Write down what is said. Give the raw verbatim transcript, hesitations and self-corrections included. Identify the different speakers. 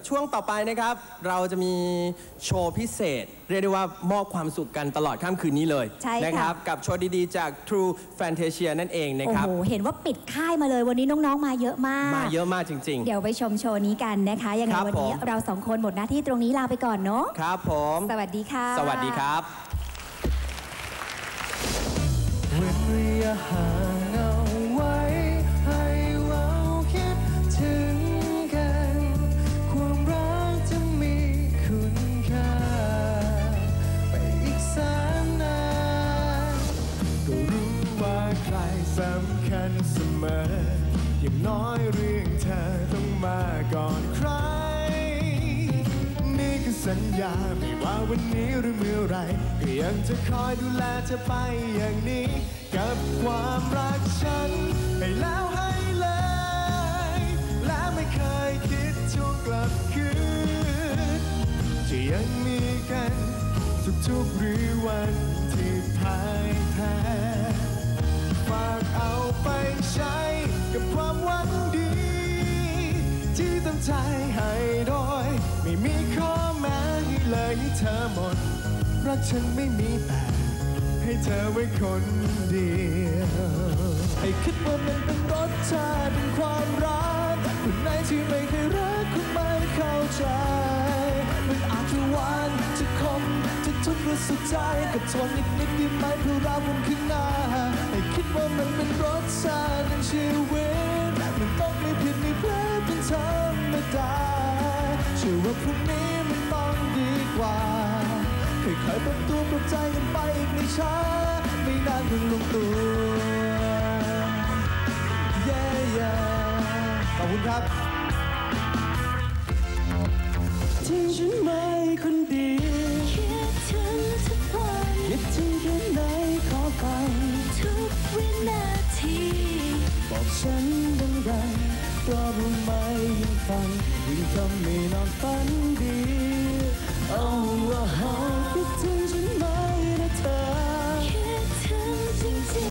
Speaker 1: ช่วงต่อไปนะครับเราจะมีโชว์พิเศษเรียกได้ว่ามอบความสุขกันตลอดค่ำคืนนี้เลยนะครับกับโชว์ดีๆจาก True Fantasia นั่นเองนะครับ
Speaker 2: โอ้โหเห็นว่าปิดค่ายมาเลยวันนี้น้องๆมาเยอะมาก
Speaker 1: มาเยอะมากจริงๆ
Speaker 2: เดี๋ยวไปชมโชว์นี้กันนะคะยังไงวันนี้เราสองคนหมดหน้าที่ตรงนี้ลาไปก่อนเนาะ
Speaker 1: ครับผม
Speaker 2: สวัสดีค่ะ
Speaker 1: สวัสดีครับ
Speaker 3: เว้นระยะห่างเอาไว้ให้เราคิดถึงกันความรักจะมีคุณค่าไปอีกแสนนานก็รู้ว่าใครสำคัญเสมออย่างน้อยเรื่องเธอต้องมาก่อนใครนี่คือสัญญาไม่ว่าวันนี้หรือเมื่อไรก็ยังจะคอยดูแลเธอไปอย่างนี้กับความรักฉันให้แล้วให้เลยและไม่เคยคิดทวงกลับคืนจะยังมีกันทุกๆหรือวันที่พ่ายแพ้ฝากเอาไปใช้กับความหวังดีที่ตั้งใจให้โดยไม่มีข้อแม้ให้เลยให้เธอหมดรักฉันไม่มีแต่ให้เธอไว้คนเดียวให้คิดว่ามันเป็นรสชาติเป็นความรักคนไหนที่ไม่เคยรักคุณไม่เข้าใจมันอาจจะหวานจะคมจะทุกข์หรือสุขใจกับทนนิดนิดได้ไหมเพื่อรักวันข้างหน้าให้คิดว่ามันเป็นรสชาติในชีวิตมันต้องไม่ผิดไม่แพ้เป็นธรรมดาเชื่อว่าพรุ่งนี้มันต้องดีกว่าค่อยๆปรับตัวปรับใจกันไปอีกไม่ช้าไม่นานเพิ่งลงตัวเย้เย้ขอบคุณครับทิ้งฉันไม่คนเดียวคิดถึงทุกวันคิดถึงแค่ไหนขอฟังทุกวินาทีบอกฉันดังๆเพราะรู้ไหมยิ่งฟังยิ่งทำให้นอนฝันดี